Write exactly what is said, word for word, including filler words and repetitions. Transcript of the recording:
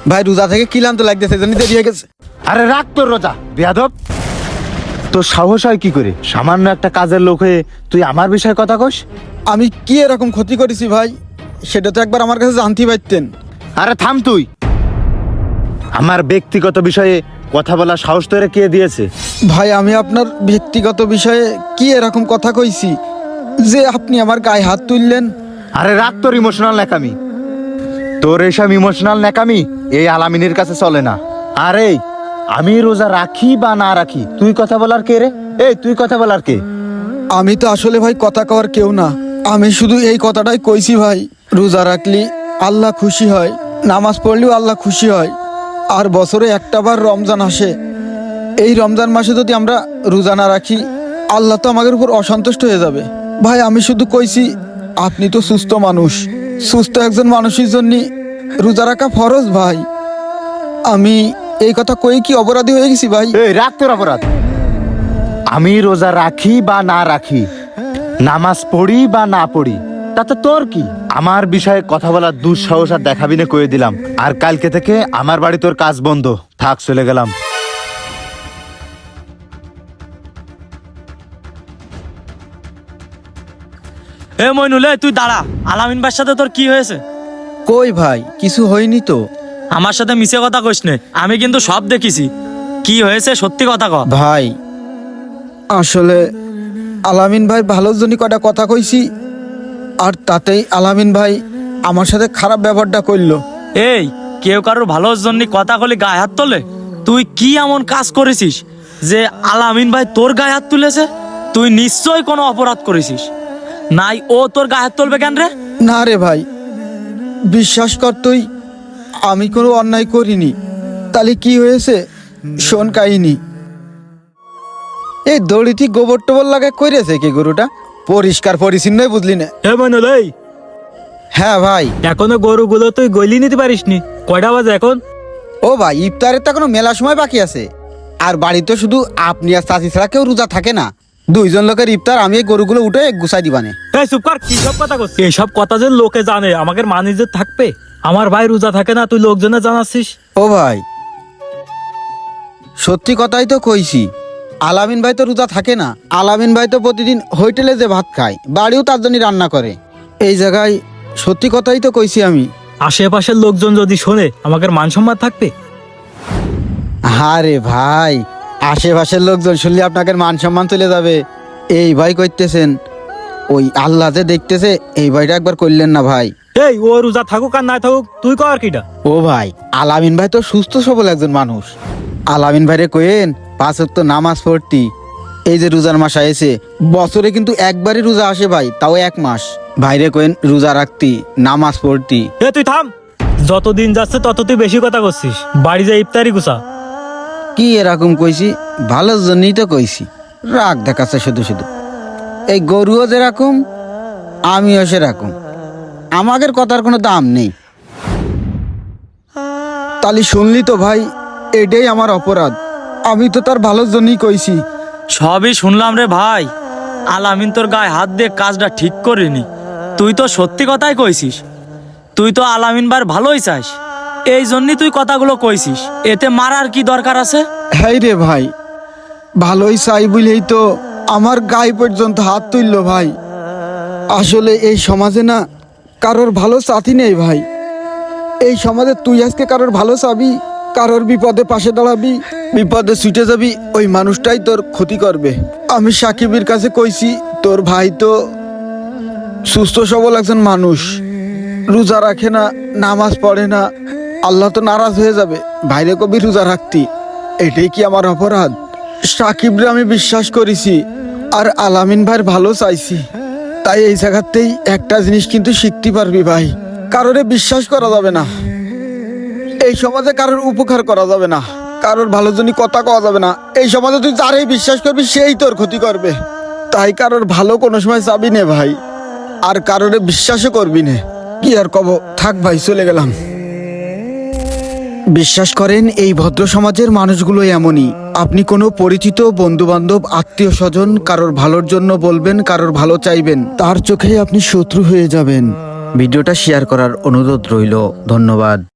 ভাই রোজা থেকে কিলাম তো লাগতেছে জানি দেরি হয়ে গেছে। আরে রাখ তোর রোজা বেয়াদব। তোর সাহস হয় কি করে সামান্য একটা কাজের লোক হয়ে তুই আমার বিষয়ে কথা কস? আমি কি এরকম ক্ষতি করেছি ভাই, সেটা তো একবার আমার কাছে জানতে পারতেন। আরে থাম তুই। আমার ব্যক্তিগত বিষয়ে কথা বলার সাহস তোরে কে দিয়েছে? ভাই আমি আপনার ব্যক্তিগত বিষয়ে কি এরকম কথা কইছি যে আপনি আমার গায়ে হাত তুললেন? আরে রাখ তোর ইমোশনাল ন্যাকামি। তোর এসব ইমোশনাল ন্যাকামি এই আলামিনের কাছে চলে না। আরে আমি রোজা রাখি বা না রাখি তুই কথা বলার কে রে? এই তুই কথা বলার কে? আমি তো আসলে ভাই কথা কওয়ার কেউ না, আমি শুধু এই কথাটাই কইছি ভাই, রোজা রাখলি আল্লাহ খুশি হয়, নামাজ পড়লেও আল্লাহ খুশি হয়। আর বছরে একটা বার রমজান আসে, এই রমজান মাসে যদি আমরা রোজা না রাখি আল্লাহ তো আমাদের উপর অসন্তুষ্ট হয়ে যাবে। ভাই আমি শুধু কইছি আপনি তো সুস্থ মানুষ, সুস্থ একজন মানুষের জন্য রোজা রাখা ফরজ ভাই। আমি এই কথা কই কি অপরাধী হয়ে গেছি ভাই? এই রাখ তোর অপরাধ। আমি রোজা রাখি বা না রাখি, নামাজ পড়ি বা না পড়ি, তাতে তোর কি? আমার বিষয়ে কথা বলার দুঃসাহস আর দেখাবি না কয়ে দিলাম। আর কালকে থেকে আমার বাড়ি তোর কাজ বন্ধ থাক, চলে গেলাম। এ মইনুল, এই তুই দাঁড়া। আলামিন ভাইয়ের সাথে তোর কি হয়েছে? কই ভাই কিছু হয়নি তো। আমার সাথে মিছে কথা কইস নে, আমি কিন্তু সব দেখিছি। কি হয়েছে সত্যি কথা ক। ভাই আসলে আলামিন ভাই ভালোর জন্য কটা কথা কইছি, আর তাতেই আলামিন ভাই আমার সাথে খারাপ ব্যবহারটা করলো। এই কেউ কারোর ভালোর জন্য কথা কলি গায়ে হাত তোলে? তুই কি এমন কাজ করেছিস যে আলামিন ভাই তোর গায়ে হাত তুলেছে? তুই নিশ্চয়ই কোনো অপরাধ করেছিস, নাই ও তোর গায়ে হাত তুলবে কেন রে? না রে ভাই, বিশ্বাস কর তুই, আমি কোনো অন্যায় করিনি। তাহলে কি হয়েছে শোন কাহিনী। এই দড়িটি গোবর টোবর লাগায় করেছে কি গরুটা পরিষ্কার পরিচ্ছন্নই বুঝলি না? হে মইনুল, এই হ্যাঁ ভাই। এখনো গরুগুলো তুই গলি নিতে পারিসনি? কয়টা বাজে এখন? ও ভাই ইফতারের তো এখনো মেলা সময় বাকি আছে, আর বাড়িতে শুধু আপনি আর চাচি ছাড়া কেউ রোজা থাকে না। দুইজন লোকের ইফতার, আমি এই গরুগুলো উঠে গুছাই দিবানে। এই চুপ কর, কি সব কথা করছিস? এইসব কথা যে লোকে জানে আমাদের মান ইজ্জত থাকবে? আমার ভাই রোজা থাকে না, তুই লোকজনে জানাচ্ছিস? ও ভাই সত্যি কথাই তো কইছি, আলামিন ভাই তো রোজা থাকে না। আলামিন ভাই তো প্রতিদিন হোটেলে যে ভাত খায়, বাড়িও তার জন্য রান্না করে। এই জায়গায় সত্যি কথাই তো কইছি আমি। আশেপাশের লোকজন যদি শোনে আমাদের মান সম্মান থাকবে? আরে ভাই আশেপাশের লোকজন শুনলে আপনাকে মান সম্মান চলে যাবে। এই ভাই কইতেছেন, ওই আল্লাহ যে দেখতেছে, এই ভাইটা একবার করলেন না ভাই। এই ও রোজা থাকুক আর না থাকুক তুই কর কিটা? ও ভাই আলামিন ভাই তো সুস্থ সবল একজন মানুষ। আলামিন ভাইরে কইেন পাঁচ ওয়াক্ত নামাজ পড়তি। এই যে রোজার মাস আইছে, বছরে কিন্তু একবারই রোজা আসে ভাই, তাও এক মাস। ভাইরে কইেন রোজা রাখতি, নামাজ পড়তি। এ তুই থাম, যতদিন যাচ্ছে তত তুই বেশি কথা করছিস। বাড়ি যা ইফতারি গুছা। কি এরকম কইছি? ভালোর জন্যই তো কইছি। রাগ দেখাচ্ছে শুধু শুধু। এই গরুও যেরকম আমিও সেরকম, আমাদের কথার কোনো দাম নেই। তালি শুনলি তো ভাই, এটাই আমার অপরাধ। আমি তো তার ভালোর জন্যই কইছি। সবই শুনলাম রে ভাই, আলামিন তোর গায়ে হাত দিয়ে কাজটা ঠিক করিনি। তুই তো সত্যি কথাই কইছিস, তুই তো আলামিন বার ভালোই চাস, এই জন্যই তুই কথাগুলো কইছিস। এতে মারার কি দরকার আছে? হ্যাঁ রে ভাই, ভালোই চাই বলেই তো আমার গায়ে পর্যন্ত হাত তুললো ভাই। আসলে এই সমাজে না কারোর ভালো সাথী নেই ভাই। এই সমাজে তুই আজকে কারোর ভালো চাবি, কারোর বিপদে পাশে দাঁড়াবি, বিপদে ছুটে যাবি, ওই মানুষটাই তোর ক্ষতি করবে। আমি সাকিবের কাছে কইছি তোর ভাই তো সুস্থ সবল একজন মানুষ, রোজা রাখে না, নামাজ পড়ে না, আল্লাহ তো নারাজ হয়ে যাবে। ভাইরে কবি রোজা রাখতি, এটাই কি আমার অপরাধ? সাকিবরে আমি বিশ্বাস করেছি আর আলামিন ভাইয়ের ভালো চাইছি, তাই এই জায়গাতেই একটা জিনিস কিন্তু শিখতে পারবি ভাই, কারোরে বিশ্বাস করা যাবে না। এই সমাজে কারোর উপকার করা যাবে না, কারোর ভালোর জন্য কথা কওয়া যাবে না। এই সমাজে তুই যারাই বিশ্বাস করবি সেই তোর ক্ষতি করবে। তাই কারোর ভালো কোনো সময় চাবি নে ভাই, আর কারোরে বিশ্বাসও করবি নে। কি আর কব, থাক ভাই চলে গেলাম। বিশ্বাস করেন এই ভদ্র সমাজের মানুষগুলো এমনই। আপনি কোনো পরিচিত বন্ধু বান্ধব আত্মীয় স্বজন কারোর ভালোর জন্য বলবেন, কারোর ভালো চাইবেন, তার চোখে আপনি শত্রু হয়ে যাবেন। ভিডিওটা শেয়ার করার অনুরোধ রইল। ধন্যবাদ।